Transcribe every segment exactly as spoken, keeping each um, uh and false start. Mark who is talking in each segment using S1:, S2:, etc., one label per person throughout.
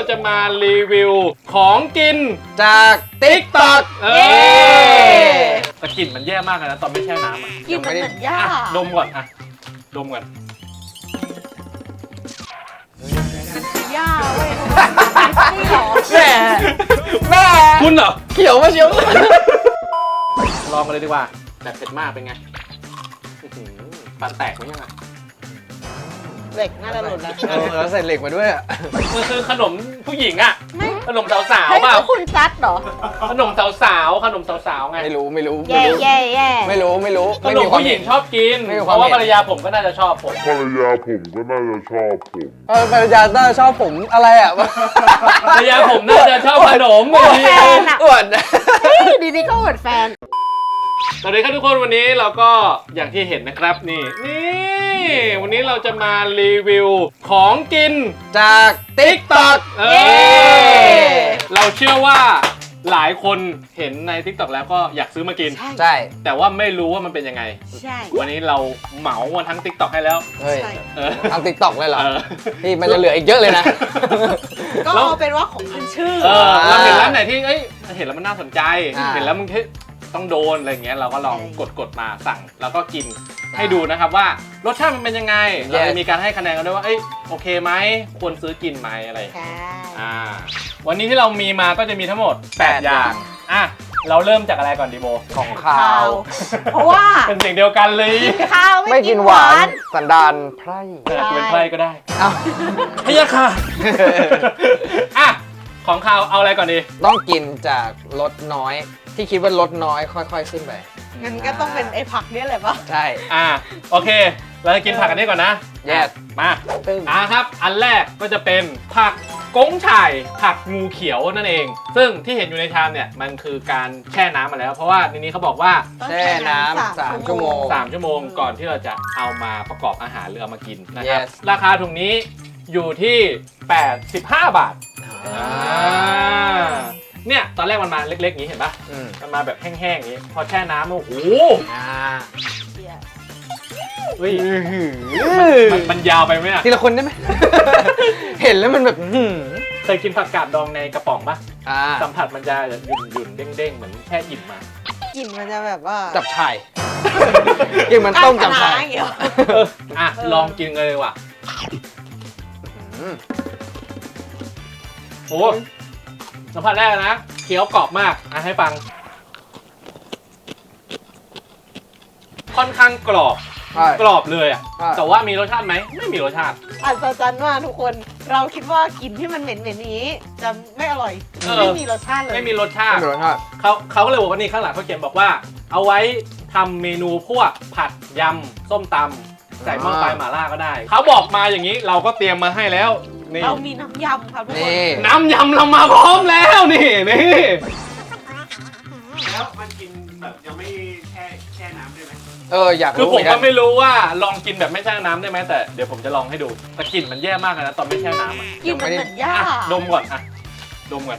S1: จะมารีวิวของกิน
S2: จาก ติ๊กต็อก
S1: เออแต่กลิ่นมันแย่มากเลยนะตอนไม่แช่น้ำอ่ะ
S3: กินมันเหมือนหญ้า
S1: อ่ะดมก่อนอ่ะดมก่อน
S3: หญ้าเว้ยนี่หรอ
S2: แม่แม่
S1: คุณเหรอ
S2: เขียวมาเชียว
S1: ลองกันเลยดีกว่าแบบเผ็ดมากเป็นไงอื้อหือฟันแตกไหมยังอ่ะ
S3: เหล็กน่าจะหล่นแล้ว
S2: เออแล้วใส่เหล็กมาด้วยอ่ะ
S1: มันคือขนมผู้หญิงอ่ะ
S3: ไม่
S1: ขนมสาว
S3: เฮ้ย
S1: ๆเปล่า
S3: แล้วคุณซัดเหรอ
S1: ขนมสาวๆขนมสาวๆไง
S2: ไม่รู้ไม่รู้
S3: แย่แย่แย่
S2: ไม่รู้ไม่รู้
S1: ขนมผู้หญิงชอบกิน
S2: ไม่มี
S1: เพ
S2: ความ
S1: ราะว่า
S2: เห็น
S1: ภรรยาผมก็น่าจะชอบผม
S4: ภรรยาผมก็น่าจะชอบผม
S2: เออภรรยาต้าชอบผมอะไรอ่ะ
S1: ภรรยาผมน่าจะชอบขนม
S3: อวดแฟนอ่ะ
S2: อ้วน
S3: เฮ้ยดีๆก็อวดแฟน
S1: สวัสดีครับทุกคนวันนี้เราก็อย่างที่เห็นนะครับนี่นี่วันนี้เราจะมารีวิวของกิน
S2: จาก ติ๊กต็อก
S1: เอ
S3: เย้
S1: อเราเชื่อว่าหลายคนเห็นใน ติ๊กต็อก แล้วก็อยากซื้อมากิน
S3: ใช่
S2: ใช่
S1: แต่ว่าไม่รู้ว่ามันเป็นยังไง
S3: ใช่
S1: วันนี้เราเหมาวันทั้ง ติ๊กต็อก ให้แล้ว
S2: เฮ้ย
S3: ใช่
S1: เออ
S2: ทำติ๊กต็อกเลยเหรอ
S1: เออ
S2: พี่มันจะเหลืออีกเยอะเลยนะ
S3: ก็เอาเป็นว่าของขึ้นชื่อ
S1: เออเราเห็นร้านไหนที่เอ้ยเห็นแล้วมันน่าสนใจ
S2: อ่า
S1: เห็นแล้วมึงแค่ต้องโดนอะไรเงี้ยเราก็ลองกดกดมาสั่งแล้วก็กินให้ดูนะครับว่ารสชาติมันเป็นยังไงเราจะมีการให้คะแนนกันด้วยว่าเอ้ยโอเคไหมควรซื้อกินไหมอะไร
S3: ใช่
S1: อ่าวันนี้ที่เรามีมาก็จะมีทั้งหมดแปดอย่างอ่ะเราเริ่มจากอะไรก่อนดีโบ
S2: ของข้า
S3: ข้าว ว เพราะว่า
S1: เป็นสิ่งเดียวกันเลย
S3: ข้าว
S2: ไม่
S3: ไม่
S2: กิ
S3: กิ
S2: น
S3: น
S2: ห
S3: ห
S2: วาว
S3: าน น
S2: สันดานไพร่
S1: เออเป็นไพร่ก็ได้
S2: เอ้า
S1: พยาค่ะอ่ะของข้าวเอาอะไรก่อนดี
S2: ต้องกินจากรสน้อย ที่คิดว่าลดน้อยค่อยๆขึ้นไป
S3: งั้นก็ต้องเป็นไอ้ผักเนี่ยแหละปะ
S2: ใช่
S1: อ่ะโอเค เราจะกินผักกันนี้ก่อนนะ
S2: Yes
S1: มา
S2: ตึ้ง
S1: อ่ะครับอันแรกก็จะเป็นผักก้งฉ่ายผักงูเขียวนั่นเอง ซึ่งที่เห็นอยู่ในชามเนี่ยมันคือการแช่น้ำมาแล้ว เพราะว่าในนี้เขาบอกว่า
S3: ต้อง
S2: แช่น้ำสามชั่วโมง
S1: สามชั่วโมงก่อนที่เราจะเอามาประกอบอาหารหรือเอามากินนะครับ
S2: Yes
S1: ราคาถุงนี้อยู่ที่แปดสิบห้าบาท
S2: อ่า
S1: เนี่ยตอนแรกมันมาเล็กๆอย่างนี้เห็นปะ
S2: อืม
S1: มันมาแบบแห้งๆอย่างนี้พอแช่น้ำโอ้โห
S2: อ่า
S1: เฮ้ยมันมันยาวไปไหมอะ
S2: ทีละคนได้ไหม เห็นแล้วมันแบบหืม
S1: เคยกินผักกาดดองในกระป๋องปะ
S2: อ่า
S1: สัมผัสมันจะหยุ่นหยุ่นๆเด้งๆเหมือนแช่อิ่มมา
S3: กลิ่นมันจะแบบว่า
S2: จับฉ่ายกินมันต้มจับฉ่าย
S3: อย่างเงี้ย
S1: อ่ะลองกินเลยว่ะ
S2: อืม
S1: โอ้สัมผัสแรกนะเคี้ยวกรอบมากอ่ะให้ฟัง ค่อนข้างกรอบ
S2: ใช่
S1: กรอบเลยอ่ะ
S2: ใช่
S1: แต่ว่ามีรสชาติไหมไม่มีรสชาติ
S3: อัศจรรย์มากทุกคน เราคิดว่ากลิ่นที่มันเหม็นๆนี้ จะไม่อร่อย
S1: เออ
S3: ไม่มีรสชาติเลย
S1: ไม่มีรสชา
S2: ไม่
S1: ติ
S2: มีรสชาติ
S1: เขาเขาก็เลยบอกว่านี่ข้างหลังเขาเขียนบอกว่า เอาไว้ทำเมนูพวกผัดยำส้มตำใส่หม้อไฟหม่าล่าก็ได้ เขาบอกมาอย่างนี้เราก็เตรียมมาให้แล้วนี่
S3: เรามีน้ำยำครับทุกคน
S2: นี่
S1: น้ำยำเรามาพร้อมแล้วนี่นี่
S5: แล้วมันกินแบบยังไม่แช่แช่น้ำได้ไหม
S2: เอออยาก
S1: คือ
S2: รู้
S1: ผ
S2: เหมื
S1: ม
S2: อนกั
S1: ก็
S2: น
S1: ไม่รู้ว่าลองกินแบบไม่แช่น้ำได้ไหมแต่เดี๋ยวผมจะลองให้ดูแต่กลิ่นมันแย่มากเลยนะตอนไม่แช่น้ำอะ
S3: กลิ่นมันเหมือนหญ้า
S1: อ่ะดมก่อนอ่ะดมก่อน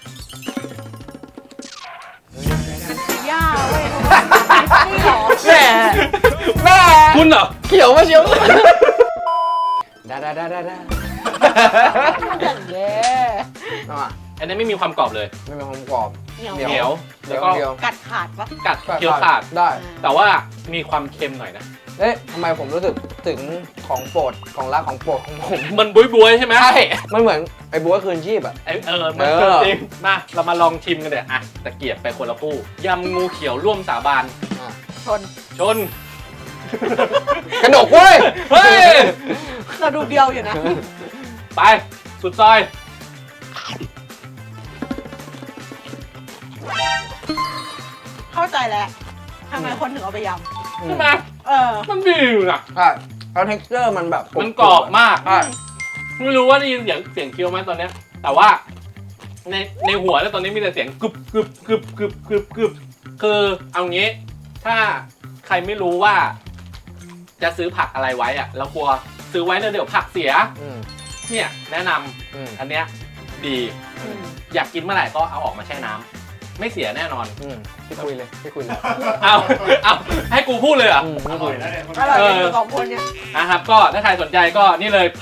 S3: หญ้าเว้ยนี่หรอ
S2: แม่แม่
S1: คุณเหรอ
S2: เขียวมาเชียวได้ได้ได้ได้ได้
S3: อย่างเงี้ย
S2: เอามา
S1: อันนี้ไม่มีความกรอบเลย
S2: ไม่มีความกรอบ
S3: เหนียว
S1: เหนียว
S2: เดี๋
S1: แล้
S2: ยว ว
S1: ก็
S2: เดียว
S3: กัดขาดปะ
S1: กัดเคี้ยวขาด
S2: ได้
S1: แต่ว่ามีความเค็มหน่อยนะ
S2: เอ๊ะทำไมผมรู้สึกถึงของโปรดของรักของโปรดของผม
S1: มันบุยบวยๆใช่ไหม
S2: ใช่ มันเหมือนไอ้บัวคืนชีพอ่ะ
S1: ไอ้เออมัน
S2: เออ
S1: เกินจริงมาเรามาลองชิมกันเดี๋ยวอ่ะตะเกียบไปคนละคู่ยำงูเขียวร่วมสาบาน
S3: ชน
S1: ชน
S2: กระดกเว้ย
S1: เฮ้ย
S3: เราดูเดียวอยู่นะ
S1: ไปสุดซอย
S3: เข้าใจแล้วทำไมคนถึงเอาไปย
S1: ใช่ไหม
S3: ำเออ
S1: มันดีอยู่นะ
S2: ใช่แล้ว texture มันแบบ
S1: มันกรอบมาก
S2: ใช่
S1: ไม่รู้ว่าได้ยินเสียงเสียงเคี้ยวไหมตอนเนี้ยแต่ว่าในในหัวแล้วตอนนี้มีแต่เสียงกึบกึบกึบกึบกึบกึบคือเอางี้ ถ้าใครไม่รู้ว่า จะซื้อผักอะไรไว้อะแล้วกลัวซื้อไว้แล้วเดี๋ยวผักเสีย
S2: อืม
S1: เนี่ยแนะนำ
S2: อืม
S1: อันเนี้ยดี อยากกินเมื่อไหร่ก็เอาออกมาแช่น้ำไม่เสียแน่นอน
S2: อืมพี่คุยเลยพี่คุยเลย
S1: เอาเอาให้กูพูดเลยเหรอ
S2: อืม
S5: อร่อยนะเนี่ยคน
S3: อร่อย
S1: เออ
S3: กันสองคนเนี่ย
S1: นะครับก็ถ้าใครสนใจก็นี่เลยผัก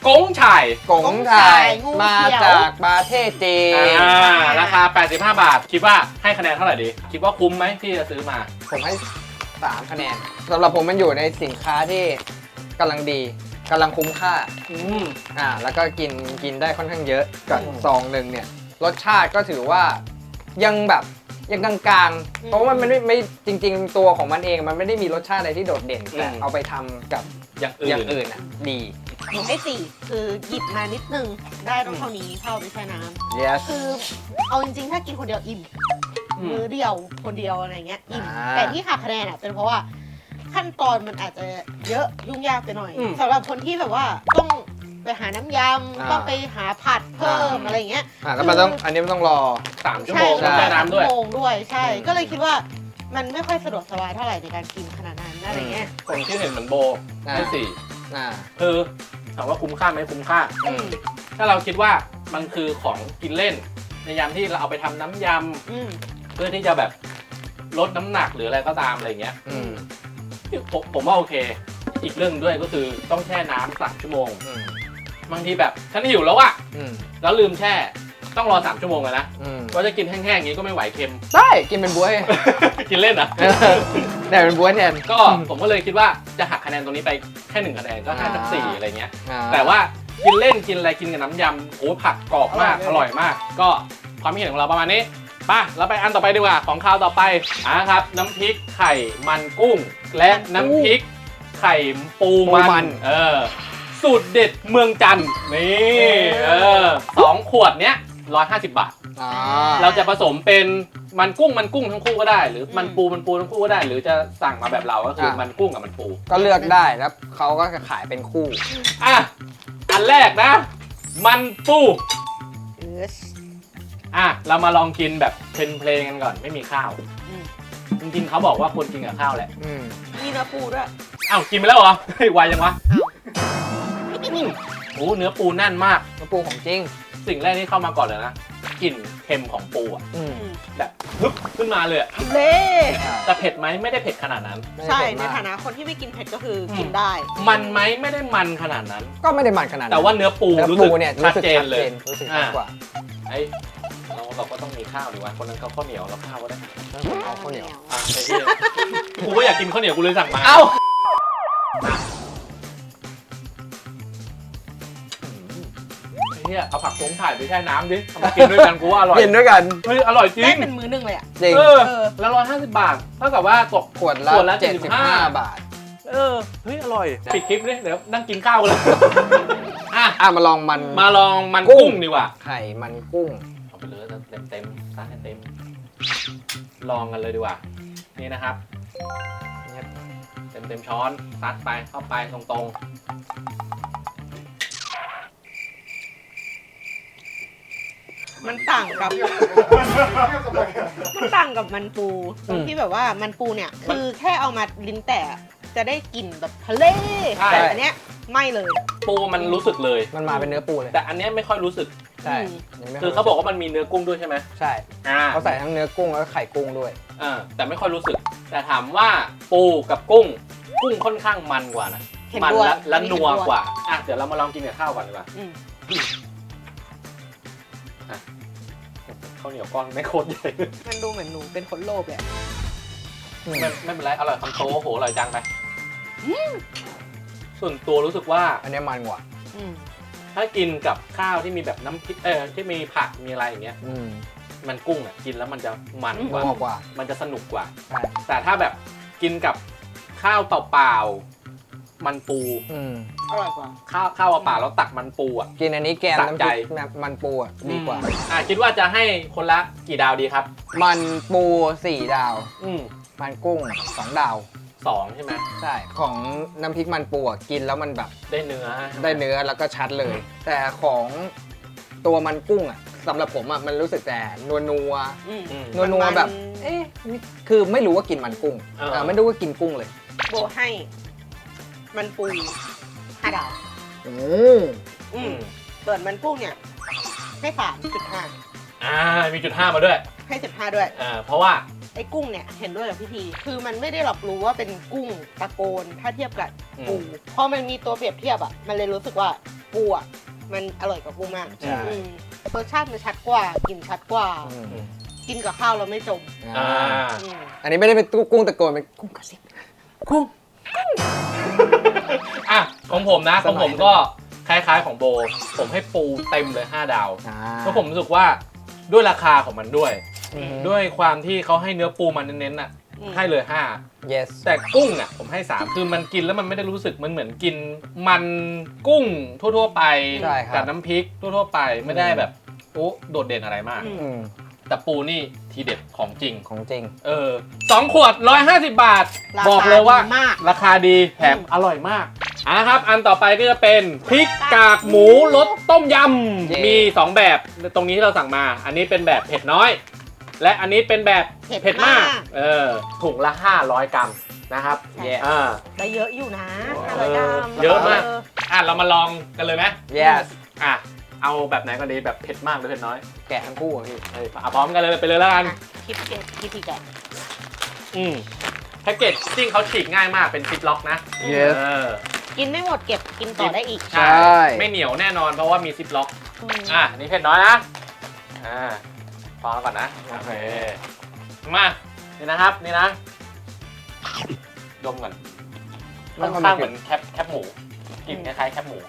S1: กงฉ่าย
S2: กงไทยมาจากประเทศจีน
S1: อ่าราคาแปดสิบห้าบาท คิดว่าให้คะแนนเท่าไหร่ดี คิดว่าคุ้มไหมที่จะซื้อมา
S2: ผมให้สามคะแนนสำหรับผมมันอยู่ในสินค้าที่กำลังดีกำลังคุ้มค่า
S1: อืม
S2: อ่าแล้วก็กินกินได้ค่อนข้างเยอะกับ
S1: อืม
S2: ซองหนึ่งเนี่ยรสชาติก็ถือว่ายังแบบยังกลางๆ เพราะว่ามันไม่ไม่จริง ๆ ตัวของมันเองมันไม่ได้มีรสชาติอะไรที่โดดเด่นแต่เอาไปทำกับ
S1: อย่างอื่
S2: อน ย่างอื่นอ่ะดี
S3: หนูให้สี่คือหยิบมานิดนึงได้ต้องเท่านี้เท่าไม่ใช่น้ำ
S2: yes
S3: คือเอาจริงๆ ถ้ากินคนเดียวอิ่ม
S1: อืม
S3: มือเดียวคนเดียวอะไรเงี้ยอิ่ม
S2: อ่า
S3: แต่ที่หักคะแนนอ่ะเป็นเพราะว่าขั้นตอนมันอาจจะเยอะยุ่งยากไปหน่อย
S1: อืม
S3: สำหรับคนที่แบบว่าต้องไปหาน้ำยำต้องไปหาผัดเพิ่มอะไรเงี้ย
S2: อ่าแล้วมันต้องอันนี้มันต้องรอ
S1: สามชั่วโมง
S2: ใช่
S1: ต้องแช่น้ำด้วย
S3: ชั่โมงด้วยใช่
S2: อืม
S3: ก็เลยคิดว่ามันไม่ค่อยสะดวกสบายเท่าไหร่ในการกินขนาดนั้นอะไรเงี้ย
S1: ผมคิดเห็นเหมือนโบ
S2: อ่า
S1: ให้สี่
S2: อ่า
S1: คือถามว่าคุ้มค่าไหมคุ้มค่า
S2: อืม
S1: ถ้าเราคิดว่ามันคือของกินเล่น ในยามที่เราเอาไปทำน้ำย
S3: อืม
S1: ำเพื่อที่จะแบบลดน้ำหนักหรืออะไรก็ตามอะไรเงี้ย
S2: อืม
S1: ผมผมว่าโอเค อีกเรื่องด้วยก็คือต้องแช่น้ำสามชั่วโมง
S2: อืม
S1: บางทีแบบฉันหิวแล้วอะ
S2: อืม
S1: แล้วลืมแช่ต้องรอสามชั่วโมงอะนะ
S2: อืม
S1: ว่าจะกินแห้งๆอย่างนี้ก็ไม่ไหวเค็ม
S2: ได้กินเป็นบ๊วย
S1: กินเล่นอะ
S2: ได้เป็นบ๊วยแทน
S1: ก็ผมก็เลยคิดว่าจะหักคะแนนตรงนี้ไปแค่หนึ่งคะแนนก็ให้สักสี่อะไรเงี้ย
S2: อ่า
S1: แต่ว่ากินเล่นกินอะไรกินกับน้ำยำโอ้ผักกรอบมาก
S3: อ
S1: อ
S3: ร่
S1: ร่
S3: อ
S1: อย ย
S3: เลย
S1: มาก ก็ความคิดเห็นของเราประมาณนี้ป่ะเราไปอันต่อไปดีกว่าของคราวต่อไปอ่ะครับ น้ำพริกไข่มันกุ้ง และน้ำพริกไข่ปูมันเออสูตรเด็ดเมืองจันทร์นี่เออสองขวดเนี้ยร้อยห้าสิบบาท
S2: อ่า
S1: เราจะผสมเป็นมันกุ้งมันกุ้งทั้งคู่ก็ได้ หรือมันปูมันปูทั้งคู่ก็ได้ หรือจะสั่งมาแบบเราก็คือมันกุ้งกับมันปู
S2: ก็เลือกได้แล้วเขาก็จะขายเป็นคู่
S1: อ่ะ อันแรกนะ มันปู
S3: เออ
S1: อ่ะ เรามาลองกินแบบเพลนๆกันก่อนไม่มีข้าว
S3: อืม
S1: จริงๆเขาบอกว่าควรกินกับข้าวแหละ
S2: อืม
S3: มีเนื้อปูด้วย
S1: อ้าวกินไปแล้วเหรอ เฮ้ยไวยังวะ
S3: อ้าว
S1: อืมโอ้เนื้อปูแน่นมาก
S2: น้ำปูของจริง
S1: สิ่งแรกที่เข้ามาก่อนเลยนะกลิ่นเค็มของปูอ่ะ
S2: อืม
S3: อืม
S1: แบบฮึบขึ้นมาเลยอะ
S3: เล่
S1: แต่เผ็ดไหมไม่ได้เผ็ดขนาดนั้น
S3: ใช่
S2: ไม่
S3: ใน
S2: ได้เผ็ดมาก
S3: ฐานะคนที่ไม่กินเผ็ดก็คืออ
S1: ม
S3: กินได้
S1: มันไหมไม่ได้มันขนาดนั้น
S2: ก็ไม่ได้มันขนาดนั้น
S1: แต่ว่าเนื้อปู
S2: เนื้อ
S1: รู้
S2: ปู
S1: สึก
S2: เนี่ย
S1: ชั
S2: รู้
S1: ด
S2: สึก
S1: เจน
S2: ชัด
S1: เล
S2: เจ
S1: ย
S2: นรู้สึกชัดกว่า
S1: ไอ้เราเราก็ต้องมีข้าวดีวะคนนั้นเขาข้าวเหนียวแล้วข้าวก็ได้
S2: แล้วผมเอาข้าวเหนียว
S1: อ่ะไอ้เหี้ยกูก็อยากกินข้าวเหนียวกูเลยสั่งมา
S2: เอ้า
S1: ไอ้เหี้ยเอาผักโขงถ่ายไปแช่น้ำดิเอามากินด้วยกันกูว่าอร่อย
S2: กินด้วยกัน
S1: เฮ้ยอร่อยจริ
S3: ได้
S1: ง
S3: เป็นมื้อหนึงเลยอ่ะ
S2: จริง
S1: เออ
S3: เออ
S1: แล้วร้อยห้าสิบบาทเท่ากับว่าตก
S2: ขวดละ
S1: ขวดละ
S2: เจ็ดสิบห้า
S1: เจ็ดสิบห้า
S2: บาท
S1: เออเฮ้ยอร่อยปิดคลิปดิเดี๋ยวนั่งกินข้าวกันเลยอ่ะ
S2: อ่ะมาลองมัน
S1: มาลองมัน
S2: กุ้
S1: กุ้
S2: ง
S1: งดีกว่า
S2: ไข่มันกุ้ง
S1: เอาไปเลยเต็มเต็มๆซะให้เต็มลองกันเลยดีกว่านี่นะครับเต็มเต็มๆช้อนซัดไปเข้าไปตรงๆ
S3: มันต่างกับ มันต่างกับมันปูตรงที่แบบว่ามันปูเนี่ย คือแค่เอามาลิ้นแตะจะได้กลิ่นแบบทะเล
S1: ใช่
S3: แต่อันเนี้ยไม่เลย
S1: ปูมันรู้สึกเลย
S2: มันมาเป็นเนื้อปูเลย
S1: แต่อันเนี้ยไม่ค่อยรู้สึก
S2: ใช่
S3: อืม
S2: นนี้ไม่
S1: คือเขาบอกว่ามันมีเนื้อกุ้งด้วยใช่ไหม
S2: ใช่
S1: อ่า
S2: เขาใส่ทั้งเนื้อกุ้งแล้วก็ไข่กุ้งด้วย
S1: อ่าแต่ไม่ค่อยรู้สึก แต่ถามว่าปูกับกุ้ง กุ้งค่อนข้างมันกว่านะ
S3: เห็น
S1: มั
S3: ด้วย
S1: และและ
S3: อันนี้
S1: นัว
S3: เห็นด้วย
S1: กว่าอ่ะเดี๋ยวเรามาลองกินกับข้าวก่อนดีกว่า
S3: อืม
S1: ข้าวเหนียวก้อนไม่โคตรใหญ่
S3: มันดูเหมือนหนูเป็นคนโลภเลยอะ
S1: ไม่ไม่เป็นไรอร่อยคำโตโอ้โหอร่อยจังไปส่วนตัวรู้สึกว่า
S2: อันนี้มันกว่า
S3: อืม
S1: ถ้ากินกับข้าวที่มีแบบน้ำพริกเออที่มีผักมีอะไรอย่างเงี้ย
S2: อืม
S1: มันกุ้งอ่ะกินแล้วมันจะมันก
S2: นั
S1: ว่า
S2: วกว่า
S1: มันจะสนุกกว่า
S2: ใช่
S1: แต่ถ้าแบบกินกับข้าวเปล่าๆมันปู
S2: อืม
S3: อร่อยกว่า
S1: ข้าวข้าวเปล่าๆแล้วตักมันปูอ่ะ
S2: กินอันนี้แกง
S1: สะ
S2: น้ำ
S1: ใจ
S2: พริกแบบมันปูอ่ะดีกว่า
S1: อืมอ่ะคิดว่าจะให้คนละกี่ดาวดีครับ
S2: มันปูสี่ดาว
S1: อืม
S2: มันกุ้งสองดาว
S1: สองใช่ไหม
S2: ใช่ ของน้ำพริกมันปูอ่ะกินแล้วมันแบบ
S1: ได้เนื้อ
S2: ได้เนื้อแล้วก็ชัดเลย แต่ของตัวมันกุ้งอ่ะสำหรับผมอ่ะมันรู้สึกแต่นัวนัว
S3: อืม
S1: อืม
S2: นัวนัวๆแบบ เอ๊ะนี่คือไม่รู้ว่ากินมันกุ้ง
S1: เออ
S2: เออไม่รู้ว่ากินกุ้งเลย
S3: โบให้ มันปูห้าดาว
S2: โอ้
S3: อืมส่วนมันกุ้งเนี่ยให้สามจุดห้า
S1: อ่ามีจุดห้ามาด้วย
S3: ให้จุดห้าด้วย
S1: อ่าเพราะว่า
S3: ไอ้กุ้งเนี่ยเห็นด้วยกับพี่ทีคือมันไม่ได้หลอกรู้ว่าเป็นกุ้งตะโกนถ้าเทียบกับปูพอมันมีตัวเปรียบเทียบอ่ะมันเลยรู้สึกว่าปูอ่ะมันอร่อยกว่าปูมาก
S2: ใช่
S3: อืมรสชาติมันชัดกว่ากลิ่นชัดกว่า
S2: อืม
S3: กินกับข้าวเราไม่จม
S1: อ่า
S3: อืม
S2: อันนี้ไม่ได้เป็นกุ้งตะโกนเป็นกุ้งกระซิบ
S1: กุ้งอ่ะของผมนะของผมก็คล้ายๆของโบ ผมให้ปูเต็มเลยห้าดาว
S2: อ่า
S1: เพราะผมรู้สึกว่าด้วยราคาของมันด้วย
S2: อืม
S1: ด้วยความที่เขาให้เนื้อปูมันเน้นๆน่ะ
S3: อืม
S1: ให้เลยห้า
S2: yes
S1: แต่กุ้งอ่ะผมให้สามคือมันกินแล้วมันไม่ได้รู้สึกมันเหมือนกินมันกุ้งทั่วๆไป
S2: ใช่ครับ
S1: กับน้ำพริกทั่วๆไปไม่ได้แบบโอ้โดดเด่นอะไรมาก
S3: อืม
S2: อืม
S1: แต่ปูนี่ทีเด็ดของจริง
S2: ของจริง
S1: เออสองขวดร้อยห้าสิบบาท
S3: ราคา
S1: บอกเลยว่า
S3: ดีมาก
S1: ราคาดีแถมอร่อยมากอ่ะนะครับ อันต่อไปก็จะเป็นพริกกากหมูรสต้มย
S2: เย้
S1: ำมีสองแบบตรงนี้ที่เราสั่งมา อันนี้เป็นแบบเผ็ดน้อย และอันนี้เป็นแบบ
S3: เผ็ด
S1: เผ็ดมาก
S3: มาก
S1: เออถุงละห้าร้อยกรัมนะครับ
S3: ใช่
S1: อ่า
S3: ได้เยอะอยู่นะห้าร้อยกรัม
S1: เยอะมาก อ่ะเรามาลองกันเลยไหม
S2: yes
S1: อ่ะเอาแบบไหนก็ดีแบบเผ็ดมากหรือเผ็ดน้อย
S2: แกะทั้งคู่อะพี่
S1: เอ้ยเอาพร้อมกันเลยไปเลยแล้วกัน
S3: อ่ะคิดเก็บคิดทีแกะ
S1: อืมแพ็กเกจจิ้งเขาฉีกง่ายมากเป็นซิปล็อกนะ
S2: yes
S1: เออ
S3: กินไม่หมดเก็บกินต่อได้อีก
S2: ใช่
S1: ไม่เหนียวแน่นอนเพราะว่ามีซิปล็อก
S3: อืม
S1: อ่ะนี่เผ็ดน้อยนะอ่าพอก่อนนะโอเคมานี่นะครับนี่นะดมก่อนค่อนข้างเหมือนแคปแคปหมูกลิ่นคล้ายๆแคปหมู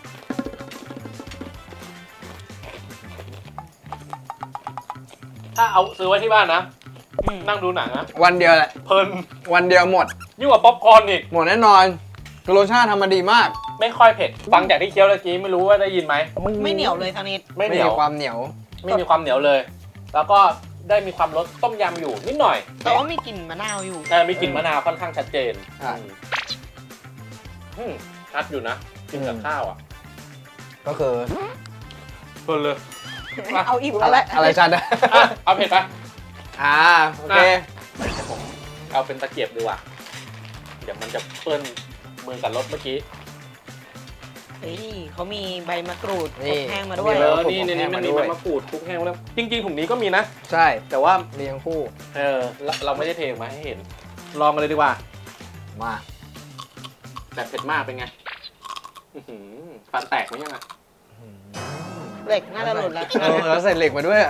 S1: ถ้าเอาซื้อไว้ที่บ้านนะ
S3: อืม
S1: นั่งดูหนังนะ
S2: วันเดียวแหละ
S1: เพลิน
S2: วันเดียวหมด
S1: ยิ่งกว่าป๊อปคอร์นอีก
S2: หมดแน่นอนคือรสชาติทำมาดีมาก
S1: ไม่ค่อยเผ็ดฟังจากที่เคี้ยวเมื่อกี้ไม่รู้ว่าได้ยินไหม
S3: ไม่เหนียวเลยทางนี้
S1: ไม่
S2: ไม่
S1: เหนี
S2: มี
S1: ยว
S2: ความเหนียว
S1: ไม่มีความเหนียวเลย แล้วก็ได้มีความรสต้มยำอยู่นิดหน่อย
S3: แต่ว่ามีกลิ่นมะนาวอยู่
S1: แต่มีกลิ่นมะนาวค่อนข้างชัดเจน
S2: ใช่
S1: อืมชัดอยู่นะกินกับข้าวอ่ะ
S2: ก็คือ
S1: เพลินเลย
S3: เอาอิ่ม
S2: อะ
S3: แล้ว
S2: ไร
S3: แหละ
S2: อะไรชัดอะ
S1: อ่ะเอาเผ็ดปะ
S2: อ่าโอเค
S1: ผมเอาเป็นตะเกียบดีกว่าเดี๋ยวมันจะเปื้อนมือกับรสเมื่อกี้
S3: เฮ้ยเขามีใบมะกรูด
S2: นี่
S3: อบแห้งมาด้วย
S1: เอ
S2: แล้ว
S1: อ
S2: ผม
S1: นี่
S2: ผม
S1: ใน
S2: แห้
S1: นี้
S2: ง
S1: มัน
S2: มา
S1: มี
S2: ด้
S1: ใบ
S2: วย
S1: มะกรูดคลุกแห้งแล้วจริง ๆถุงนี้ก็มีนะ
S2: ใช่
S1: แต่ว่า
S2: เรียงคู่
S1: เออเราเราไม่ได้เทออกมาให้เห็น ลองกันเลยดีกว่า
S2: มา
S1: แบบเผ็ดมากเป็นไงอื้อหือฟันแตกไหมยังอ่ะ
S3: เหล็กน่าจะหล่นแล้ว
S2: เออแล้วใส่เหล็กมาด้วยอะ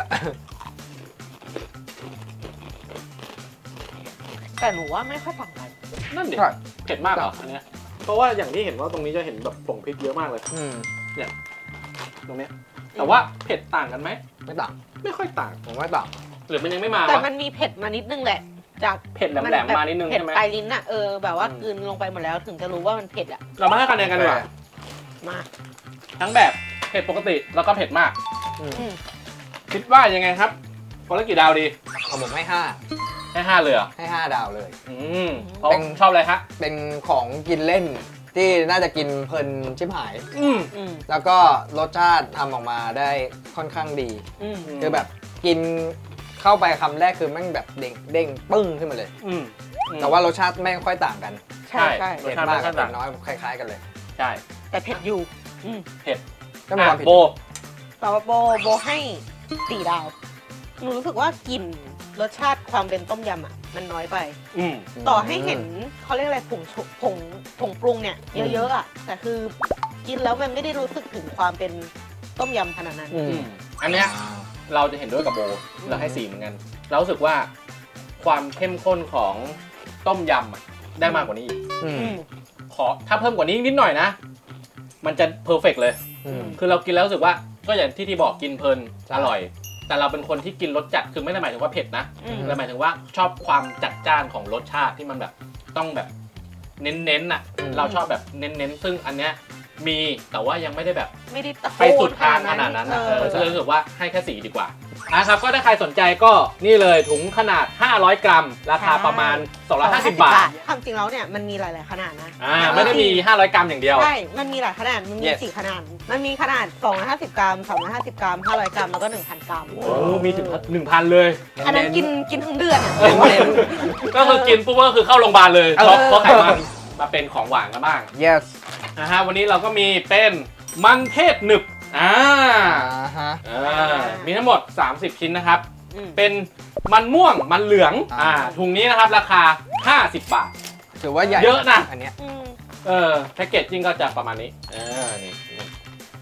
S3: แต่หนูว่าไม่ค่อยต่างกัน
S1: นั่นดิ
S2: ใช่
S1: เผ็ดมากเหรออันเนี้ยเพราะว่าอย่างที่เห็นว่าตรงนี้จะเห็นแบบผงพริกเยอะมากเลย
S2: อืม
S1: ตรงเนี้ยแต่ว่าเผ็ดต่างกันไหม
S2: ไม่ต่าง
S1: ไม่ค่อยต่าง
S2: ผมว่าต่าง
S1: หรือมันยังไม่มาวะ
S3: แต่มันมีเผ็ดมานิดนึงแหละ จาก
S1: เผ็ดแหลมๆมานิดนึง
S3: เผ็ด
S1: ใช่ไหม
S3: ปลายลิ้นอ่ะ เออ แบบว่า
S1: อืม
S3: กลืนลงไปหมดแล้วถึงจะรู้ว่ามันเผ็ดอ่ะ
S1: เรามาให้คะแนนกันดีกว่า
S3: มา
S1: ทั้งแบบเผ็ดปกติแล้วก็เผ็ดมาก
S2: อืม
S3: อืม
S1: คิดว่ายังไงครับคนละกี่ดาวดี
S2: ของผมให้ห้า
S1: ให้ห้าเลยเหรอ
S2: ให้ห้าดาวเลย
S1: อืมเพราะ
S2: เป็น
S1: ชอบอะไรฮะ
S2: เป็นของกินเล่นที่น่าจะกินเพลินชิบหาย
S1: อืม
S3: อืม
S2: แล้วก็รสชาติทำออกมาได้ค่อนข้างดี
S3: อืม
S2: คือแบบกินเข้าไปคำแรกคือแม่งแบบเด้งเด้งปึ้งขึ้นมาเลย
S1: อืม
S2: แต่ว่ารสชาติไม่ค่อยต่างกัน
S3: ใช่ใช่
S1: รส
S2: เผ็ด
S1: ชาติ
S2: มาก
S1: ไม่ค่
S2: กั
S1: อบ ย
S2: เผ็
S1: ต่าง
S2: ดน้อยคล้ายๆกันเลย
S1: ใช่
S3: แต่เผ็ดอยู่ อืม
S2: ก็มีความ
S1: อ่ะ
S2: ผิด
S1: โบ
S3: แต่ว่าโบโบให้สี่ดาว หนูรู้สึกว่ากลิ่นรสชาติความเป็นต้มยำอ่ะ มันน้อยไป
S1: อืม
S3: ต่อให้เห็นเขาเรียกอะไรผงชุผงผงปรุงเนี่ยเยอะๆอ่ะ แต่คือกินแล้วมันไม่ได้รู้สึกถึงความเป็นต้มยำขนาดนั้น
S2: อื
S1: อื
S2: ม
S1: มอันเนี้ยเราจะเห็นด้วยกับโบเราให้สี่เหมือนกัน เรารู้สึกว่าความเข้มข้นของต้มยำอะได้มากกว่านี้อีก
S2: อืม
S3: อืม
S1: ขอถ้าเพิ่มกว่านี้นิดหน่อยนะ มันจะเพอร์เฟกเลย
S2: อืม
S1: คือเรากินแล้วรู้สึกว่าก็อย่างที่ที่บอกกินเพลิน
S2: ใช่
S1: อร่อย แต่เราเป็นคนที่กินรสจัดคือไม่ได้หมายถึงว่าเผ็ดนะ
S3: อืม
S1: แต่หมายถึงว่าชอบความจัดจ้านของรสชาติที่มันแบบต้องแบบเน้นๆน่ะ เราชอบแบบเน้นๆซึ่งอันเนี้ยมีแต่ว่ายังไม่ได้แบบ
S3: ไม่ได้ตะโกน
S1: ไปสุดทางขนาดนั้นนะ
S3: เอ
S1: เอ
S3: อ
S1: อก็เลยรู้สึกว่าให้แค่สีดีกว่านะครับก็ถ้าใครสนใจก็นี่เลยถุงขนาดห้าร้อยกรัม ราคาประมาณสองร้อยห้าสิบบาท
S3: ความจริงแล้วเนี่ยมันมีหลายๆขนาดนะ
S1: อ่าไม่ได้มีห้าร้อยกรัมอย่างเดียว
S3: ใช่ มันมีหลายขนาด มันมี
S2: Yes
S3: สี่ขนาด มันมีขนาดสองร้อยห้าสิบกรัมสามร้อยห้าสิบกรัมห้าร้อยกรัมแล้วก็หนึ่งพันกรัม
S1: โอ้มีถึงหนึ่งพันเลย
S3: อันนั้นกินกินทั้งเดือนอะ
S1: เออก็คือกินปุ๊บก็คือเข้าโรงพยาบาลเลย
S3: เออ
S1: เพราะเพราะไขมันมาเป็นของหวานกันบ้าง
S2: yes
S1: นะฮะวันนี้เราก็มีเป็นมันเทศหนึบอ่า
S2: อ่าฮะ
S1: อ่ามีทั้งหมดสามสิบชิ้นนะครับ
S3: อืม
S1: เป็นมันม่วงมันเหลือง
S2: อ่า
S1: อ่าถุงนี้นะครับราคาห้าสิบบาท
S2: ถือว่าใหญ่
S1: เยอะนะ
S2: อันเนี้ย
S3: อืม
S1: เออแพ็กเกจจิ้งก็จะประมาณนี้เออนี่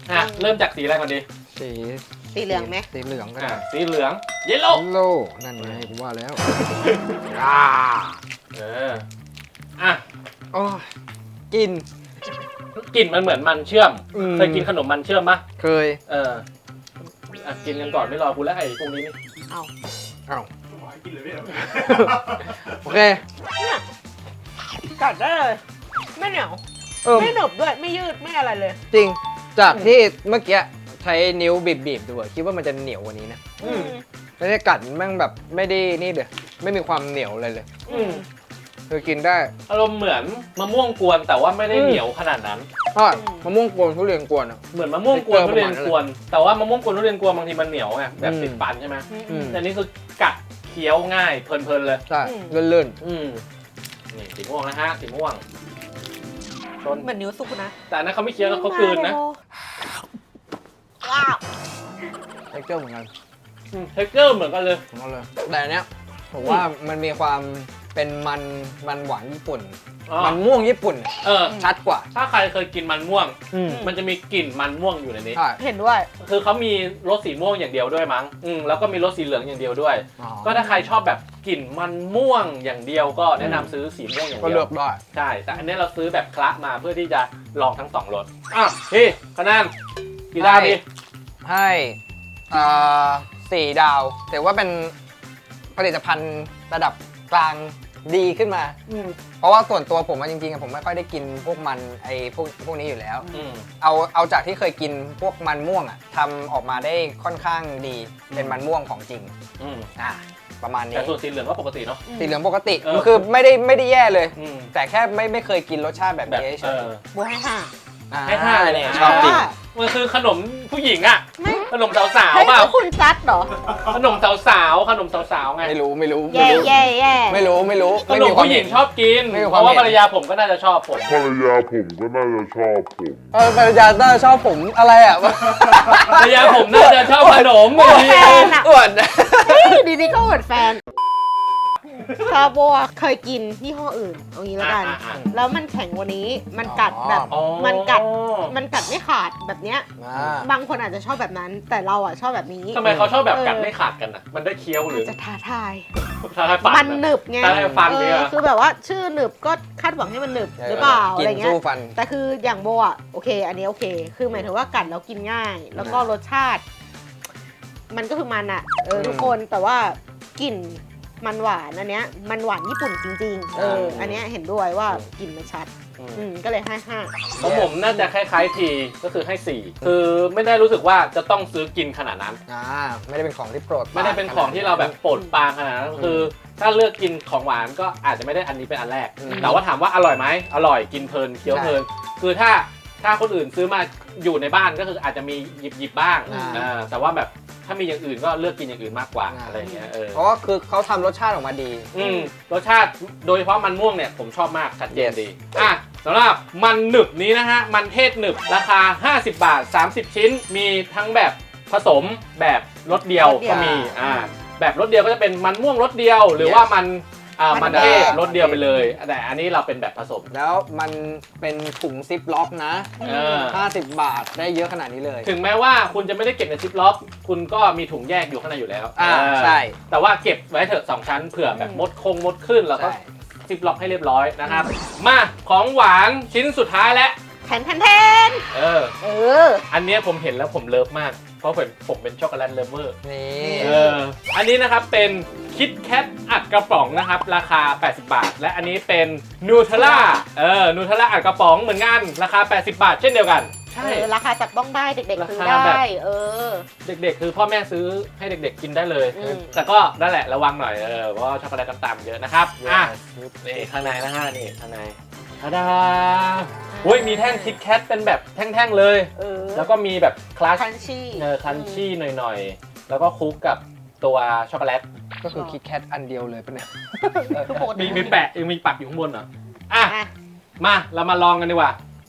S1: อ่ะเริ่มจากสีอะไรก่อนดี
S2: สี
S3: สีเหลืองไหม
S2: สีเหลืองก็
S1: อ่ะ
S2: ได้
S1: สีเหลืองเยลโล่
S2: โล่นั่นไงผมว่าแล้ว
S1: อ่าเอออ่ะ
S2: โอ้ยกิน
S1: กลิ่นมันเหมือนมันเชื่อม
S2: อืม
S1: เคยกินขนมมันเชื่อมปะ
S2: เคย
S1: เอออ่ะกินกันก่อนไม่รอกูแล้วไอ้พวกนี้นี่
S3: เอา
S2: เอ้า
S5: ขอให้กินเลยเนี่ย
S2: โอเค
S3: เนี่ยกัดได้เลยไม่เหนียว
S2: เออ
S3: ไม่หนึบด้วยไม่ยืดไม่อะไรเลย
S2: จริงจากที่เมื่อกี้ใช้นิ้วบีบๆดูอะคิดว่ามันจะเหนียวกว่านี้นะ
S3: อืม
S2: แล้วเนี่ยกัดแม่งแบบไม่ได้นี่เลยไม่มีความเหนียวเลยเลย
S3: อืม
S2: คือกินได้
S1: อารมณ์เหมือนมะม่วงกวนแต่ว่าไม่ได้เหนียวขนาดนั้น
S2: ใช่มะม่วงกวนทุเรียนกวนอะ
S1: เหมือนมะม่วงกวน
S2: เออ
S1: ทุเรียน
S2: ประมาณนั้น
S1: กวน แต่ว่ามะม่วงกวนทุเรียนกวนบางทีมันเหนียวไงแบบ
S2: อืม
S1: ติดฟันใช่ไหม
S2: อืม
S1: แต่นี่คือกัดเคี้ยวง่ายเพลินๆเลย
S2: ใช่ลื่น
S1: อืมนี่สีม่วงนะฮะสีม่วงชน
S3: เหมือนนิ้วสุกนะ
S1: แต่อันนั้นเขาไม่เคี้ยวนะเขากลืนนะ
S3: ว้าว
S2: ๆเท็กเจอร์เหมือนกัน
S1: เทคเจอร์เหมือนกันเลย
S2: ของเราเลยแต่อันเนี้ยผมว่ามันมีความเป็นมันมันหวานญี่ปุ่น
S1: อ๋อ
S2: มันม่วงญี่ปุ่น
S1: เออ
S2: ชัดกว่า
S1: ถ้าใครเคยกินมันม่วง
S2: อืม
S1: มันจะมีกลิ่นมันม่วงอยู่ในนี้
S2: ใช่
S3: เห็นด้วย
S1: คือเขามีรสสีม่วงอย่างเดียวด้วยมั้งอืมแล้วก็มีรสสีเหลืองอย่างเดียวด้วย
S2: อ๋อ
S1: ก็ถ้าใครชอบแบบกลิ่นมันม่วงอย่างเดียวก็แนะนำซื้อสีม่วงอย่าง
S2: ก็
S1: เดี
S2: เลื
S1: ย
S2: อ
S1: ว
S2: กได้
S1: ใช่ แต่อันนี้เราซื้อแบบคละมาเพื่อที่จะลองทั้งสองรสอ่ะพี่คะแนนกี่ดาวดี
S2: ให้อ่าสี่ดาวถือว่าเป็นผลิตภัณฑ์ระดับกลางดีขึ้นมา เพราะว่าส่วนตัวผมอะจริงๆอะผมไม่ค่อยได้กินพวกมันไอ้พวกพวกนี้อยู่แล้ว
S1: อืม
S2: เอาเอาจากที่เคยกินพวกมันม่วงอ่ะทำออกมาได้ค่อนข้างดีเป็นมันม่วงของจริง
S1: อืม
S2: อ่ะประมาณนี้
S1: แต่ส่วนสีเหลืองก็ปกติเนาะ
S2: สีเหลืองปกติ
S1: เออ
S2: มันคือไม่ได้ไม่ได้แย่เลย
S1: อืม
S2: แต่แค่ไม่ไม่เคยกินรสชาติแบบ
S1: แบบ
S2: นี้เฉ
S1: เอย อ
S3: โบให้ห้า
S2: อ่
S1: ให้ห้าเลยเนี่ย
S2: ชอบจริง
S1: มันคือขนมผู้หญิงอะ
S3: ไม่
S1: ขนมสาว
S3: เฮ้ย
S1: ๆเปล่า
S3: คุณซัดเหรอ
S1: ขนมสาวๆขนมสาวๆไง
S2: ไม่รู้ไม่รู้
S3: แย่
S2: ไม่รู้
S3: แย่แย่
S2: ไม่รู้ไม่รู้
S1: ขนมผู้หญิงชอบกิน
S2: ไม่มี
S1: เพ
S2: ความ
S1: ราะว่า
S2: เห็น
S1: ภรรยาผมก็น่าจะชอบผม
S4: ภรรยาผมก็น่าจะชอบผม
S2: เออภรรยาน่าจะชอบผมอะไรอ่ะ
S1: ภรรยาผมน่าจะชอบขนม
S3: โอ้แฟนอะ
S2: อวด
S3: เฮ้ยดีๆก็อวดแฟนซาโบะเคยกินยี่ห้ออื่นเอางี้แล้วกัน
S1: อ่ะอ่ะ
S3: แล้วมันแข็งกว่านี้ มันกัดแบบ
S1: อ๋อ
S3: มันกัด มันกัดไม่ขาดแบบเนี้ย
S2: อ่า
S3: บางคนอาจจะชอบแบบนั้น แต่เราอ่ะชอบแบบนี้
S1: ทำไมเขาชอบแบบกัด
S3: เออ
S1: ไม่ขาดกันอ่ะ มันได้เคี้ยวหรื
S3: อา
S1: อ
S3: จจะท้าทาย
S1: ท้าทายฟัน
S3: มันหนึบไง
S1: ท้าทายฟัน
S3: เอ
S1: เนี่ย
S3: อคือแบบว่าชื่อหนึบก็คาดหวังให้มันหนึบหรือเปล่า
S2: กิ
S3: อะไร
S2: น
S3: เงี้ย
S2: สู้ฟัน
S3: แต่คืออย่างโบอ่ะโอเค อันนี้โอเค คือหมายถึงว่ากัดแล้วกินง่าย แล้วก็รสชาติ มันก็คือมันอ่ะเออ
S2: อืม
S3: ทุกคนแต่ว่ากลิ่นมันหวานอันเนี้ยมันหวานญี่ปุ่นจริงๆเอออันเนี้ยเห็นด้วยว่ากลิ่นมันชัด
S1: อืม
S3: อืมก็เลยให้ห้า
S1: ของผมน่าจะคล้ายๆทีก็คือให้สี่คือไม่ได้รู้สึกว่าจะต้องซื้อกินขนาดนั้น
S2: อ่าไม่ได้เป็นของที่โปรด
S1: ไม่ได้เป็นของที่เราแบบโปรดปรานขนาดนั้นคือ ถ้าเลือกกินของหวานก็อาจจะไม่ได้อันนี้เป็นอันแรก แต่ว่าถามว่าอร่อยไหมอร่อยกินเพลินเคี้ยวเพลินคือถ้าถ้าคนอื่นซื้อมาอยู่ในบ้านก็คืออาจจะมีหยิบหยิบบ้าง
S2: อ่า
S1: อ่าแต่ว่าแบบถ้ามีอย่างอื่นก็เลือกกินอย่างอื่นมากกว่าอะไรอย่างเงี้ยเออ
S2: เพราะว่าคือเขาทำรสชาติออกมาดี
S1: อืมรสชาติโดยเฉพาะมันม่วงเนี่ยผมชอบมากชัดเจน
S2: Yes
S1: ดีอ่ะสำหรับมันหนึบนี้นะฮะมันเทศหนึบราคาห้าสิบบาทสามสิบชิ้น มีทั้งแบบผสมแบบรสเดียว
S3: รสเดียว
S1: ก็มีอ่าแบบรสเดียวก็จะเป็นมันม่วงรสเดียว หรือว่ามันอ่า
S3: มั
S1: มัน
S3: น
S1: เทศ
S3: เทศ
S1: รสเดียวไปเลยแต่อันนี้เราเป็นแบบผสม
S2: แล้วมันเป็นถุงซิปล็อกนะ
S1: เออ
S2: ห้าสิบบาทได้เยอะขนาดนี้เลย
S1: ถึงแม้ว่าคุณจะไม่ได้เก็บในซิปล็อก คุณก็มีถุงแยกอยู่ข้างในอยู่แล้ว
S2: อ่า
S1: เออ
S2: ใช่
S1: แต่ว่าเก็บไว้เถอะสองชั้นเผื่อแบบมดคงมดขึ้นแล้วก็
S2: ใช่
S1: ซิปล็อกให้เรียบร้อยนะครับมาของหวานชิ้นสุดท้ายแล้ว
S3: แทนแทนแทน
S1: เออ
S3: เออ
S1: อันเนี้ยผมเห็นแล้วผมเลิฟมาก เพราะผมผมเป็นช็อกโกแลตเลฟเวอร์
S2: นี่
S1: เออ อันนี้นะครับเป็นคิดแคทอัดกระป๋องนะครับ ราคา แปดสิบบาท และอันนี้เป็นนูเทลล่าเออนูเทลล่าอัดกระป๋องเหมือนกันราคา แปดสิบบาท เช่นเดียวกัน ใช่
S3: เออราคาจับต้องได้เด็กๆซื้อ
S1: ราคาแบบ
S3: ได้ เออ
S1: เด็กๆ คือพ่อแม่ซื้อให้เด็กๆ กินได้เลย
S3: อืม
S1: แต่ก็นั่นแหละระวังหน่อยเออเพราะว่าช็อกโกแลตต่ำๆเยอะนะครับอ่ะนี่ข้างในนะฮะนี่ข้างในทาดาโอ้ยมีแท่งคิดแคทเป็นแบบแท่งๆเลย
S3: เออ
S1: แล้วก็มีแบบคลัช
S3: คันชี่
S1: เออคันชี่หน่อยๆ แล้วก็คลุกกับตัวช็อกโกแลต
S2: ก็คือคิดแคทอันเดียวเลยปะเนี่ย
S3: คือปกติ
S1: มีมีแปะยังมีปักอยู่ข้างบนเหรออ่ะ
S3: อ่ะ
S1: มาเรามาลองกันดีกว่า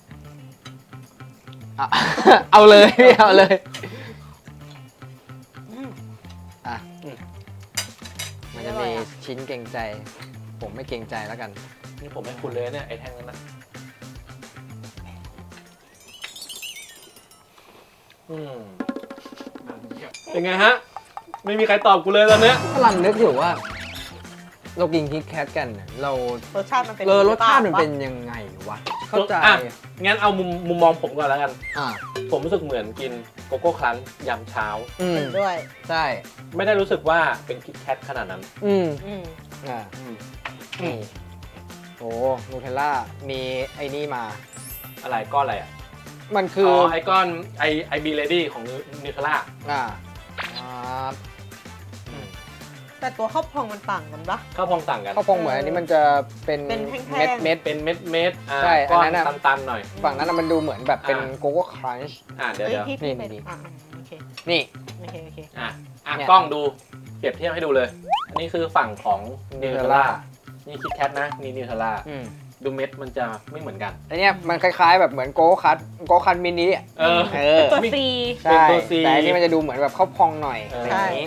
S2: อ่ะ เอาเลยพี่เอาเลย
S3: อืม
S2: อ่ะมันจะมีชิ้นเกรงใจ ผมไม่เกรงใจแล้วกัน
S1: นี่ผมให้คุณเลยเนี่ยไอ้แท่งนั้นนะอืมเป็นไงฮะ ไม่มีใครตอบกูเลยตอนเนี้ย
S2: กำลังนึกอยู่ว่า เรากินคิดแคทกันเนี่ยเรา
S3: รสชาติมันเป็น
S2: เออรสชาติมัน
S3: ปะ
S2: เป็นยังไงวะ เข้าใจ
S1: อ่ะงั้นเอามุมมุมมองผมก่อนแล้วกัน
S2: อ่า
S1: ผมรู้สึกเหมือนกินโกโก้ครันช์ยามเช้า
S2: อืม
S3: เห็นด้วย
S2: ใช่
S1: ไม่ได้รู้สึกว่าเป็นคิดแคทขนาดนั้น
S2: อืม
S3: อืม
S2: อ่า
S1: อืม
S2: นี่โอ้นูเทลล่ามีไอ้นี่มา
S1: อะไรก้อนอะไรอ่ะ
S2: มันคือ
S1: อ๋อ
S2: อ
S1: ไอก้อนไอไอบีเลดี้ของนิวเทลล่า
S2: อ่าอ่า
S3: แต่ตัวข้าวพองมันต่างกันปะ
S1: ข้าวพองต่างกัน
S2: ข้าวพองเหมือนอันนี้มันจะเป็น
S3: เป็นแท่งๆ
S2: เม็ดเม็ด
S1: เป็นเม็ดเม็ดอ่า
S2: ใช่
S1: ก้อน
S2: อันนั้นน่ะ
S1: ตันๆหน่อย
S2: ฝั่งนั้นนะมันดูเหมือนแบบเป็น
S1: อ่า
S2: โกโก้ครันช์
S1: อ่าเดี๋ยว
S3: เฮ้ย
S1: เดี๋ยว
S3: พี่พี่
S2: นี่
S3: เป็น
S2: นี่
S3: อ่ะโอเค
S2: นี่
S3: โอเคโอเค
S1: อ่ะอ่ะ
S2: เนี่ย
S1: กล้องดูเปรียบเทียบให้ดูเลย อันนี้คือฝั่งของนิวเทลล่า
S2: Nutella
S1: นี่คิดแคทนะนี่นิวเทลล่า
S2: อืม
S1: ดูเม็ดมันจะไม่เหมือนกัน
S2: อันเนี้ยมันคล้ายๆแบบเหมือนโกโก้คัทโกโก้คัทมินิอ่ะ
S1: เออ
S2: เออ
S3: ตัว
S1: มี
S3: ซี
S2: ใช่
S1: เป็นตัว C
S2: แต่อันนี้มันจะดูเหมือนแบบข้าวพองหน่อย
S1: เอออ
S2: อะไรอย่างนี้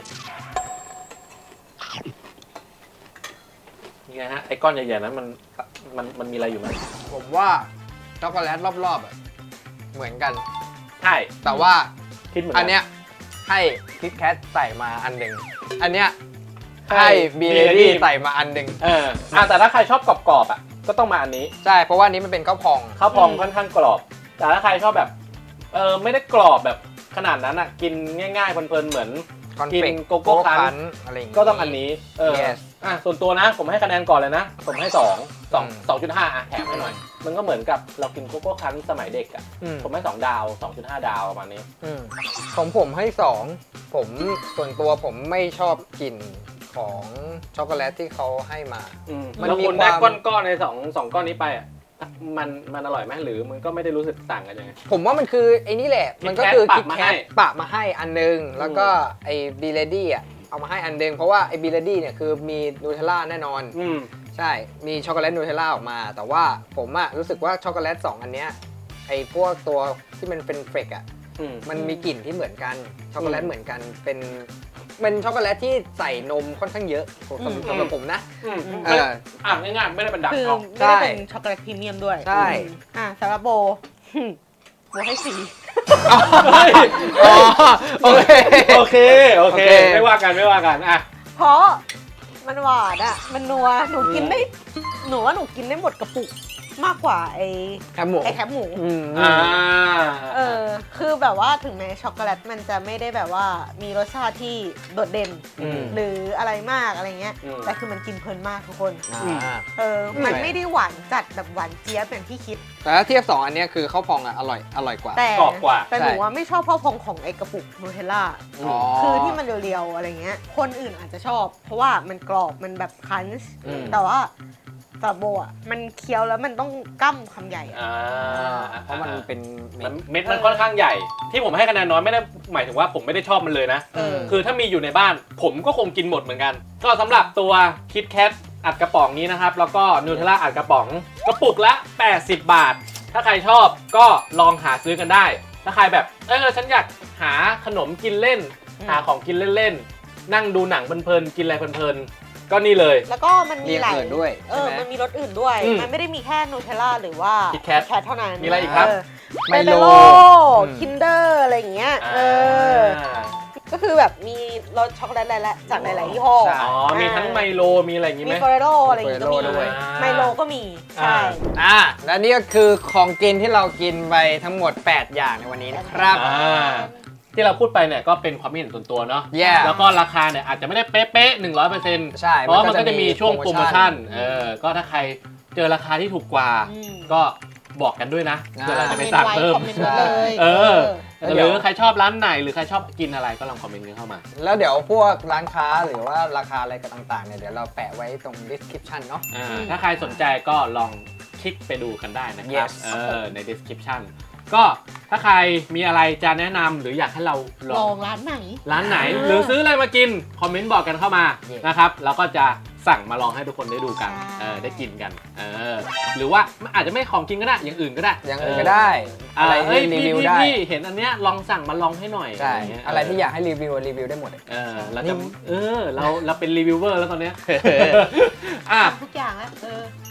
S1: นี่ไงฮะไอ้ก้อนใหญ่ๆนั้นมันมันมันมีอะไรอยู่ไหม
S2: ผมว่าช็อกโกแลตรอบๆอะเหมือนกัน
S1: ใช่
S2: แต่ว่า
S1: คิดเหมือนกั
S2: อันเนี้ยให้คิดแคทใส่มาอันหนึ่งอันเนี้ย
S1: ให้
S2: ให้บีเล
S1: Birelli
S2: ดี้ใส่มาอันหนึ่ง
S1: เอออ่ะแต่ถ้าใครชอบกรอบๆอ่ะก็ต้องมาอันนี้
S2: ใช่เพราะว่าอันนี้มันเป็นข้าวพอง
S1: ข้าวพองค่อนข้างกรอบ แต่ถ้าใครชอบแบบเออไม่ได้กรอบแบบขนาดนั้นอ่ะกินง่ายๆเพลินๆเหมือน
S2: คอน
S1: กิ
S2: เฟ
S1: น
S2: ก
S1: โกโก้คั้น
S2: อะไรอย่างงี้
S1: ก็ต้องอันนี้เออ
S2: Yes
S1: อ่ะส่วนตัวนะผมให้คะแนนก่อนเลยนะ ผมให้สองสอง
S2: อืม
S1: สองจุดห้าอ่ะแถมให้หน่อย มันก็เหมือนกับเรากินโกโก้คั้นสมัยเด็กอ่ะ
S2: อืม
S1: ผมให้สองดาวสองจุดห้าดาวประมาณนี้
S2: อืมของผมให้สองผมส่วนตัวผมไม่ชอบกลิ่นของช็อกโกแลตที่เขาให้มา
S1: อืม
S2: มัน
S1: แล้ว
S2: มี
S1: คุณได้
S2: ความ
S1: ก้อนๆในสองสองก้อนนี้ไปอ่ะมันมันอร่อยไหมหรือมันก็ไม่ได้รู้สึกต่างกันยังไง
S2: ผมว่ามันคือไอ้นี่แหละ
S1: Kit
S2: มันก็คือ
S1: Kat
S2: คิด
S1: ปะมา
S2: แค
S1: ให้
S2: ทปะมาให้อันนึง แล้วก็ไอ้บีเลดี้อ่ะเอามาให้อันนึง เพราะว่าไอ้บีเลดี้เนี่ยคือมีนูเทลล่าแน่นอน
S1: อืม
S2: ใช่ มีช็อกโกแลตนูเทลล่าออกมา แต่ว่าผมอะรู้สึกว่าช็อกโกแลตสองอันเนี้ยไอ้พวกตัวที่มันเป็นเฟรกอะ
S1: อืม
S2: มันมีกลิ่นที่เหมือนกัน ช็อกโกแลต
S1: อืม
S2: เหมือนกัน เป็นเป็นช็อกโกแลตที่ใส่นมค่อนข้างเยอะสำหรับสำหรับผมนะ
S1: อืม
S2: เออ
S1: อ่ะง่ายๆไม่ได้เป็นดัก
S3: คือ
S1: ทอง
S3: ไม่ได้เป็นช็อกโกแลตพรีเมียมด้วย
S2: ใช่
S3: อืมอ่ะสำหรับโบหึโบให้สี่
S1: เฮ้ย
S2: อ๋อโอเค
S1: โอเค โอเค
S2: โอเค
S1: ไม่ว่ากันไม่ว่ากันอ่ะ
S3: เพราะมันหวานอ่ะ มันนัว หนูกินได้ หนูว่าหนูกินได้หมดกระปุกมากกว่าไอ้
S2: แคบหมู
S3: ไอ้แคปหมู
S2: อืม
S1: อ่า
S3: เออ คือแบบว่าถึงแม้ช็อกโกแลตมันจะไม่ได้แบบว่ามีรสชาติที่โดดเด่น
S1: อืม
S3: หรืออะไรมากอะไรเงี้ย
S1: อืม
S3: แต่คือมันกินเพลินมากทุกคน
S2: อ่า
S3: เออ
S2: อืม
S3: มันไม่ได้หวานจัดแบบหวานเจี๊ยบอย่างที่คิด
S2: แต่ถ้าเทียบสองอันเนี้ยคือข้าวพองอะอร่อยอร่อยกว่า
S3: แต่
S1: กรอบกว่า
S3: แต่หนูว่าไม่ชอบข้าวพองของไอ้กระปุกนูเทลล่า
S2: อ๋อ
S3: คือที่มันเรียวๆอะไรเงี้ย คนอื่นอาจจะชอบ เพราะว่ามันกรอบมันแบบคันช์
S2: อืม
S3: แต่ว่าสำหรับโบอ่ะมันเคี้ยวแล้วมันต้องกั้มคำใหญ่อะ
S1: อ่า
S2: เพราะมันเป็น
S1: มันเม็ดมันค่อนข้างใหญ่ ที่ผมให้คะแนนน้อยไม่ได้หมายถึงว่าผมไม่ได้ชอบมันเลยนะ
S3: เออ
S1: คือถ้ามีอยู่ในบ้าน ผมก็คงกินหมดเหมือนกัน ก็สำหรับตัวคิดแคทอัดกระป๋องนี้นะครับ แล้วก็นูเทลล่าอัดกระป๋องกระปุกละ แปดสิบบาท ถ้าใครชอบก็ลองหาซื้อกันได้ ถ้าใครแบบเออฉันอยากหาขนมกินเล่น หาของกินเล่นๆ นั่งดูหนังเพลินๆกินอะไรเพลินๆก็นี่เลย
S3: แล้วก็มันมี
S2: มี
S3: หลาย
S2: อื่นด้วย
S3: เอ
S2: ใช่
S3: อ
S2: ไหม
S3: มันมีรสอื่นด้วย
S1: อืม
S3: มันไม่ได้มีแค่นูเทลล่าหรือว่า
S1: Kit Kat
S3: แคทเท่านั้น
S1: มีอะไรอีกครับ
S3: ไม
S2: ไม
S3: โล
S2: โล
S3: คินเดอร์อะไรอย่างเงี้ย เออ ก็คือแบบมีรสช็อกโกแลตหลายๆจากหลายๆยี่ห้อ
S2: ใช่
S1: อ๋อ มีทั้งไมโล มีอะไรอย่างงี้ไห
S3: มี
S1: ม
S3: ฟอเรโรอะไรอย่างงี้ก็มี
S2: Ferrero ด้วย
S3: ไมโลก็มี ใช่
S2: อ่าและนี่ก็คือของกินที่เรากินไปทั้งหมด แปด อย่างในวันนี้นะครับ
S1: อ่า ที่เราพูดไปเนี่ยก็เป็นความคิดเห็นส่วนตัวเนาะ
S2: Yeah
S1: แล้วก็ราคาเนี่ยอาจจะไม่ได้เป๊ะๆหนึ่งร้อยเปอร์เซ็นต์
S2: ใช่
S1: เพราะว่ามันก็จะมีช่วงโปรโมชั่น
S2: อืม
S1: เออ ก็ถ้าใครเจอราคาที่ถูกกว่า
S3: อืม
S1: ก็บอกกันด้วยนะ
S2: อ่า
S1: เพื่อเรา
S3: คอ
S1: จะ
S3: ม
S1: ไป
S3: เมนต์
S1: สั่ง
S3: ไว้
S1: เพิ่ม
S3: คอมเมนต์ไว้เลย
S1: เออ
S2: แล้ว
S1: ห
S2: เดี๋
S1: รื
S2: ยว
S1: อใครชอบร้านไหนหรือใครชอบกินอะไรก็ลองคอมเมนต์กันเข้ามา
S2: แล้วเดี๋ยวพวกร้านค้าหรือว่าราคาอะไรกันต่างๆเนี่ยเดี๋ยวเราแปะไว้ตรง description เนาะ
S1: อ่าถ้าใครสนใจก็ลองคลิกไปดูกันได้นะครับ
S2: Yes
S1: เออใน description ก็ถ้าใครมีอะไรจะแนะนำหรืออยากให้เราล
S3: ล
S1: อ
S3: อง งร้านไหน
S1: ร้านไหน
S3: เออ
S1: หรือซื้ออะไรมากิน คอมเมนต์บอกกันเข้ามา
S2: Yes
S1: นะครับแล้วก็จะสั่งมาลองให้ทุกคนได้ดูกัน
S3: ใช่
S1: เออได้กินกันเออหรือว่าอาจจะไม่ของกินก็ได้อย่างอื่นก็ได้
S2: อย่างอื่นก็
S1: เ
S2: ได้
S1: อะ
S2: อะไร ไร
S1: เอ้ย
S2: ที่รี
S1: พี่
S2: วิว
S1: พี่
S2: ได้
S1: พี่เห็นอันเนี้ยลองสั่งมาลองให้หน่อย
S2: ใช่
S1: ย่างเงี้ย
S2: อะไรที่อยากให้รีวิวรีวิวได้หมดเลย
S1: เออเราจะเออเราเราเป็นรีวิวเวอร์แล้วตอนเนี้ยอ่ะ
S3: ทุกอย่างแล้วเออ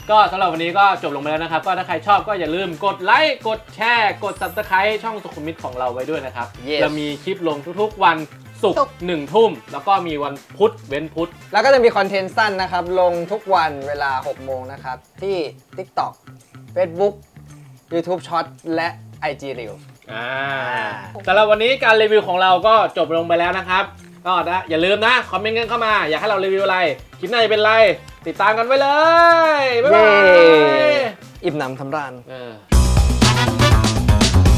S1: ก็สำหรับวันนี้ก็จบลงไปแล้วนะครับก็ถ้าใครชอบก็อย่าลืมกดไลค์กดแชร์กด ซับสไครบ์ ช่องสุขุมวิทของเราไว้ด้วยนะครับ
S2: Yes
S1: เรามีคลิปลงทุกๆวันศุก
S3: ศุ
S1: ร์
S3: กร์
S1: หนึ่งทุ่มแล้วก็มีวันพุธเว้นพุธ
S2: แล้วก็จะมีคอนเทนต์สั้นนะครับ ลงทุกวันเวลาหกโมงนะครับ ที่ TikTok Facebook YouTube Short และ ไอ จี Reel
S1: อ่าสำหรับวันนี้การรีวิวของเราก็จบลงไปแล้วนะครับก็นะอย่าลืมนะคอมเมนต์กันเข้ามาอยากให้เรารีวิวอะไรคลิปหน้าจะเป็นอะไรติดตามกันไว้เลยบ๊ายบาย
S2: อิ่มหนำสำราญ
S1: เออ